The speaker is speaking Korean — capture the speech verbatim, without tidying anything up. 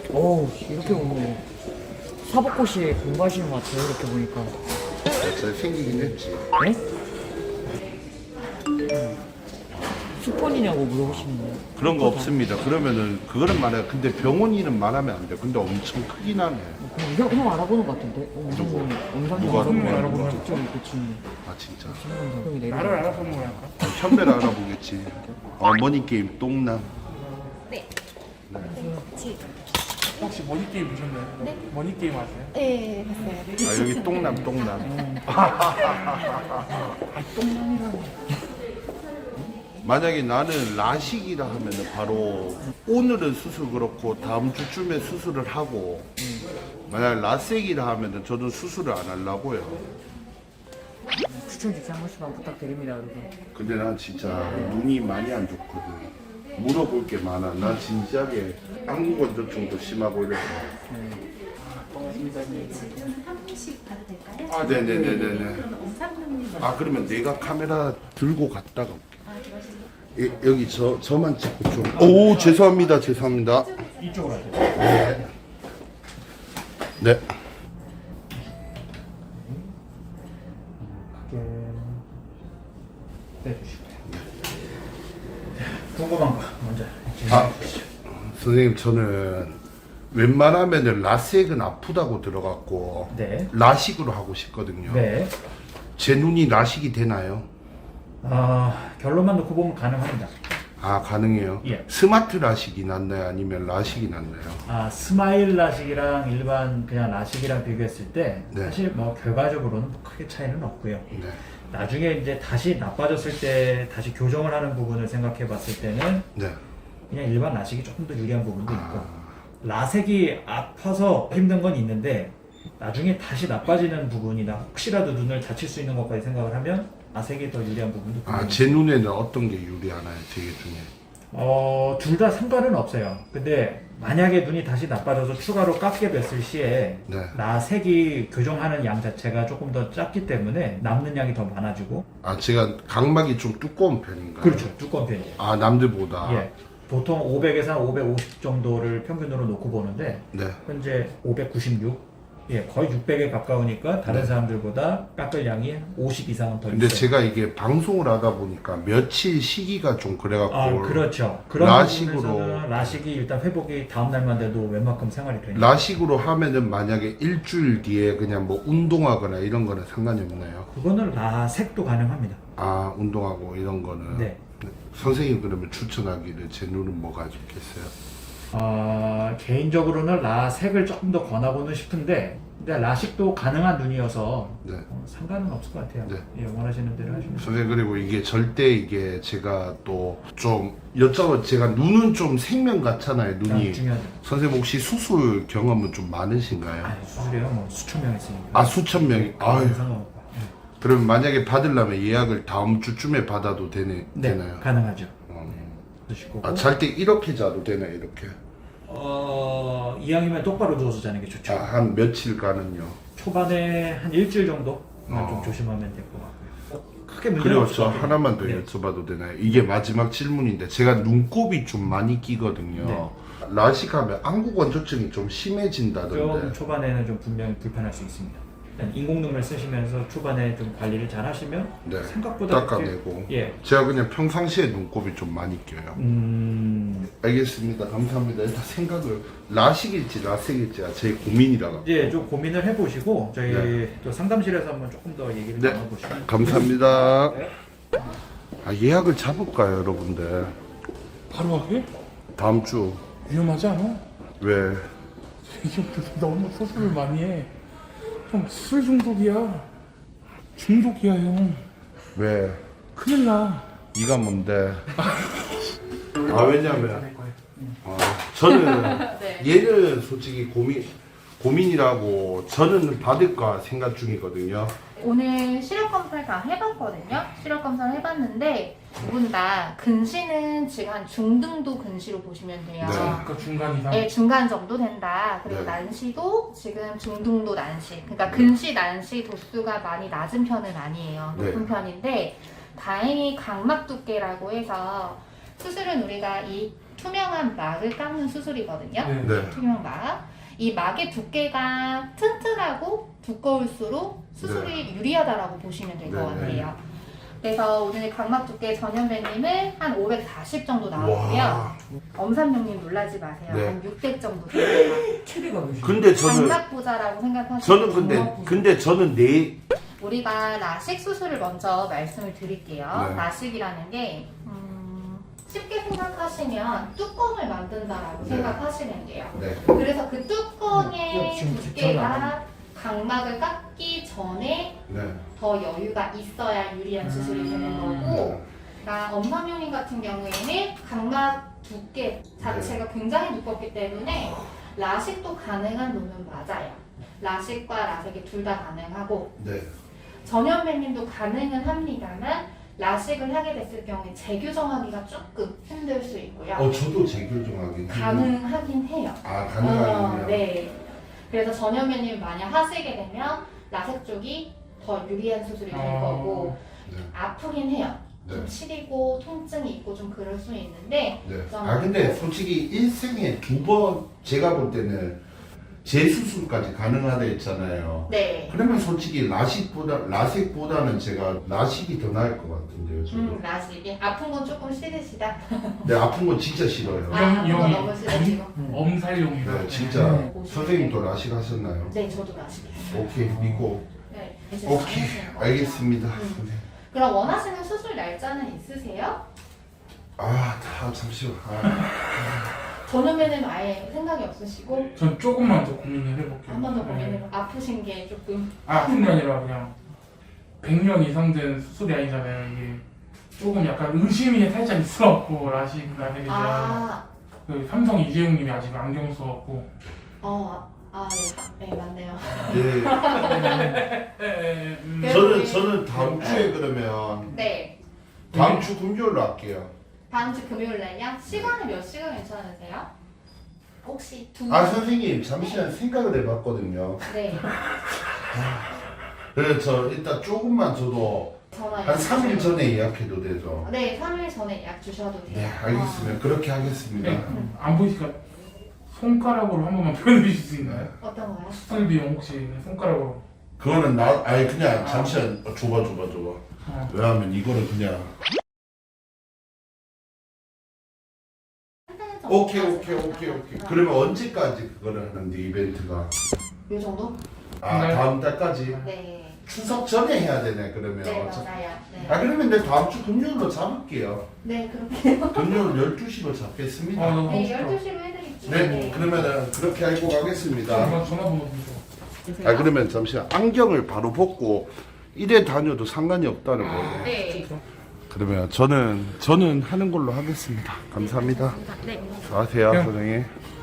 어우, 이렇게 보면 사법고시 공부하시는 것 같아요, 이렇게 보니까. 잘 생기긴 했지. 네? 수폰이냐고 물어보시는데. 그런 거 없습니다. 그러면은 그거는 말해. 근데 병원 이름 말하면 안 돼. 근데 엄청 크긴 하네. 그럼 형, 형 알아보는 것 같은데? 어, 누구? 엄상 누가 엄상 알아보는 알아보는 거야? 저기 그치. 아 진짜. 형이 내려. 나를 알아보는 거야. 어, 현배를 알아보겠지. 어머니 게임 똥남. 혹시 머니 게임 보셨나요? 네. 머니 게임 아세요? 네, 봤어요. 아 여기 똥남 똥남. 만약에 나는 라식이라 하면은 바로 오늘은 수술 그렇고 다음 주쯤에 수술을 하고 만약 라섹이라 하면은 저는 수술을 안 하려고요. 추천 주시 한 번씩만 부탁드립니다, 여러분. 근데 난 진짜 눈이 많이 안 좋거든. 물어볼 게 많아. 난 진지하게 안구건조증도 심하고 이래서. 지금 한 분씩 봐도 될까요? 아 네네네네네. 그러면 엄상님님 먼저. 아 그러면 내가 카메라 들고 갔다가 올게. 아, 들어가시죠. 예, 여기 저 저만 찍고 좀. 오 죄송합니다 죄송합니다. 이쪽으로 하세요. 네. 네. 빼주시고요. 궁금한 거 먼저. 아 선생님 저는 웬만하면은 라섹은 아프다고 들어갔고 네. 라식으로 하고 싶거든요. 네. 제 눈이 라식이 되나요? 아 결론만 놓고 보면 가능합니다. 아 가능해요. 예. 스마트 라식이 낫나요? 아니면 라식이 낫나요? 아 스마일 라식이랑 일반 그냥 라식이랑 비교했을 때 네. 사실 뭐 결과적으로는 크게 차이는 없고요. 네. 나중에 이제 다시 나빠졌을 때 다시 교정을 하는 부분을 생각해 봤을 때는 네. 그냥 일반 라식이 조금 더 유리한 부분도 있고 라섹이 아파서 힘든 건 있는데 나중에 다시 나빠지는 부분이나 혹시라도 눈을 다칠 수 있는 것까지 생각을 하면 라섹이 더 유리한 부분도 아, 분명히 제 눈에는 어떤 게 유리하나요? 제 중에. 어, 둘 다 상관은 없어요. 근데 만약에 눈이 다시 나빠져서 추가로 깎게 됐을 시에 네. 라섹이 교정하는 양 자체가 조금 더 작기 때문에 남는 양이 더 많아지고 아, 제가 각막이 좀 두꺼운 편인가요? 그렇죠. 두꺼운 편이에요. 아, 남들보다. 예. 보통 오백에서 한 오백오십 정도를 평균으로 놓고 보는데 네. 현재 오백구십육, 예, 거의 육백에 가까우니까 다른 네. 사람들보다 깎을 양이 오십 이상은 더 근데 있어요. 제가 이게 방송을 하다 보니까 며칠 시기가 좀 그래갖고. 아, 그렇죠. 그런 라식으로. 부분에서는 라식이 일단 회복이 다음 날만 돼도 웬만큼 생활이 되니까. 라식으로 하면은 만약에 일주일 뒤에 그냥 뭐 운동하거나 이런 거는 상관이 없나요? 그거는 라섹도 가능합니다. 아, 운동하고 이런 거는. 네. 선생님 그러면 추천하기를 제 눈은 뭐가 좋겠어요? 어, 개인적으로는 라섹을 조금 더 권하고는 싶은데, 근데 라식도 가능한 눈이어서 네. 어, 상관은 없을 것 같아요. 네. 예, 원하시는 대로 하시면. 선생님 그리고 이게 절대 이게 제가 또 좀 여쭤봐 제가 눈은 좀 생명 같잖아요 눈이. 아, 중요하죠. 선생님 혹시 수술 경험은 좀 많으신가요? 아, 수술이요? 뭐 수천 명 했으니까. 아 수천 명이. 아유. 상관없고. 예. 그럼 만약에 받으려면 예약을 다음 주쯤에 받아도 되네, 네, 되나요? 가능하죠. 어. 드실 거고. 아, 잘 때 이렇게 자도 되나요 이렇게? 어, 이왕이면 똑바로 누워서 자는 게 좋죠. 아, 한 며칠간은요? 초반에 한 일주일 정도 만 어. 좀 조심하면 될 것 같고요. 크게 문제는 그리고 없을 저 것 같아요. 하나만 더 네. 여쭤봐도 되나요? 이게 마지막 질문인데 제가 눈곱이 좀 많이 끼거든요. 네. 라식하면 안구건조증이 좀 좀 심해진다던데. 초반에는 좀 분명히 불편할 수 있습니다. 일단 인공눈물 쓰시면서 초반에 좀 관리를 잘 하시면 네. 생각보다 닦아내고. 그렇게- 예. 제가 그냥 평상시에 눈곱이 좀 많이 껴요. 음, 알겠습니다. 감사합니다. 일단 생각을 라식일지 라섹일지가 제 고민이라가. 이제 좀 고민을 해보시고 저희 네. 또 상담실에서 한번 조금 더 얘기를 네. 나눠보시면. 감사합니다. 네. 아, 예약을 잡을까요, 여러분들? 바로 하게? 다음 주. 위험하지 않아? 왜? 이 형들 너무 수술을 많이 해. 형 술 중독이야. 중독이야 형. 왜? 큰일 나. 네가 뭔데? 아, 왜냐면 아, 저는 네. 얘는 솔직히 고민 고민이라고 저는 받을까 생각 중이거든요. 오늘 시력 검사를 다 해봤거든요. 시력 검사를 해봤는데 두 분 다 근시는 지금 한 중등도 근시로 보시면 돼요. 네. 그러니까 중간 이상. 네, 중간 정도 된다. 그리고 네. 난시도 지금 중등도 난시. 그러니까 근시, 난시 도수가 많이 낮은 편은 아니에요. 높은 네. 편인데 다행히 각막 두께라고 해서 수술은 우리가 이 투명한 막을 깎는 수술이거든요. 네. 네. 투명 막. 이 막의 두께가 튼튼하고 두꺼울수록 수술이 유리하다라고 보시면 될 것 네, 네. 같아요. 그래서 오늘 각막 두께 전현배님은 한 오백사십 정도 나오고요. 와. 엄삼룡님 놀라지 마세요. 네. 한 육백 정도 됩니다. 체리가 몇이 근데 저는 장막 부자라고 생각하시면 저는 근데 근데 저는 내 우리가 라식 수술을 먼저 말씀을 드릴게요. 네. 라식이라는 게 음, 쉽게 생각하시면 뚜껑을 만든다라고 네. 생각하시면 돼요. 네. 그래서 그 뚜껑의 지금 두께가 각막을 깎기 전에 네. 더 여유가 있어야 유리한 수술이 되는 거고, 그러니까 엄삼룡님 같은 경우에는 각막 두께 자체가 굉장히 두껍기 때문에 라식도 가능한 놈은 맞아요. 라식과 라섹이 둘 다 가능하고, 네. 전현배님도 가능은 합니다만 라식을 하게 됐을 경우에 재교정하기가 조금 힘들 수 있고요. 어 저도 재교정하기 가능하긴 해요. 아 가능하군요. 어, 네. 그래서 전현배님 만약 하시게 되면 라섹 쪽이 더 유리한 수술이 될 어. 거고 네. 아프긴 해요. 좀 네. 시리고 통증이 있고 좀 그럴 수 있는데 네. 좀 아 근데 솔직히 일생에 두 번 제가 볼 때는 재수술까지 가능하다 했잖아요. 네. 그러면 솔직히 라식보다 라섹보다는 제가 라식이 더 나을 것 같은데요. 저도. 음, 라식이 아픈 건 조금 싫으시다. 근데 아픈 건 진짜 싫어요. 아, 아픈 건 영이 너무 싫으시고. 엄살용이다. 네, 진짜 네. 선생님도 라식 하셨나요? 네, 저도 라식이에요. 오케이 믿고. 네. 이제 오케이 잘하시는 것 알겠습니다. 음. 선생님. 그럼 원하시는 수술 날짜는 있으세요? 아, 다 잠시만. 아, 전후면은 아예 생각이 없으시고 전 조금만 더 고민을 해볼게요. 한 번 더 네. 고민해봐. 아프신 게 조금 아픈 게 아니라 그냥 백 년 이상 된 수술이 아니잖아요. 이게 조금 약간 의심이 살짝 있어갖고 라식 라섹에 대한 아, 그 삼성 이재용님이 아직 안경 써갖고 어, 아, 네, 네 맞네요. 네. 에, 음, 네. 저는 저는 다음 주에 그러면 네, 다음 주 금요일로 할게요. 다음 주 금요일 날요? 시간이 몇 시간 괜찮으세요? 혹시 두 아 선생님 잠시만 생각을 해봤거든요. 네, 그래서 저 일단 조금만 저도 전화 한 삼 일 전에 예약해도 되죠. 네, 삼 일 전에 예약 주셔도 돼요. 네 알겠습니다. 그렇게 하겠습니다. 네. 안 보이니까 손가락으로 한 번만 표현해 주실 수 있나요? 어, 어떤 거요? 수술 비용 혹시 손가락으로 그거는 나 아니 그냥 잠시만 어, 줘봐 줘봐 줘봐. 어. 왜냐하면 이거는 그냥 한 달 오케이 정도 오케이 오케이 오케이. 어. 그러면 언제까지 그거를 하는데 이벤트가? 요 정도? 아 네. 다음 달까지? 네, 추석 전에 해야 되네 그러면. 네 어차- 맞아요. 네, 아 그러면 내 다음 주 금요일로 잡을게요. 네 그렇게. 금요일 열두 시로 잡겠습니다. 어, 너무 네, 싶다. 열두 시로 해드릴게요. 네, 그러면은 그렇게 알고 가겠습니다. 전화 전화번호 좀 줘. 아 그러면 잠시만 안경을 바로 벗고 이래 다녀도 상관이 없다는 거예요. 네. 그러면 저는 저는 하는 걸로 하겠습니다. 감사합니다. 네. 수고하세요, 네. 선생님.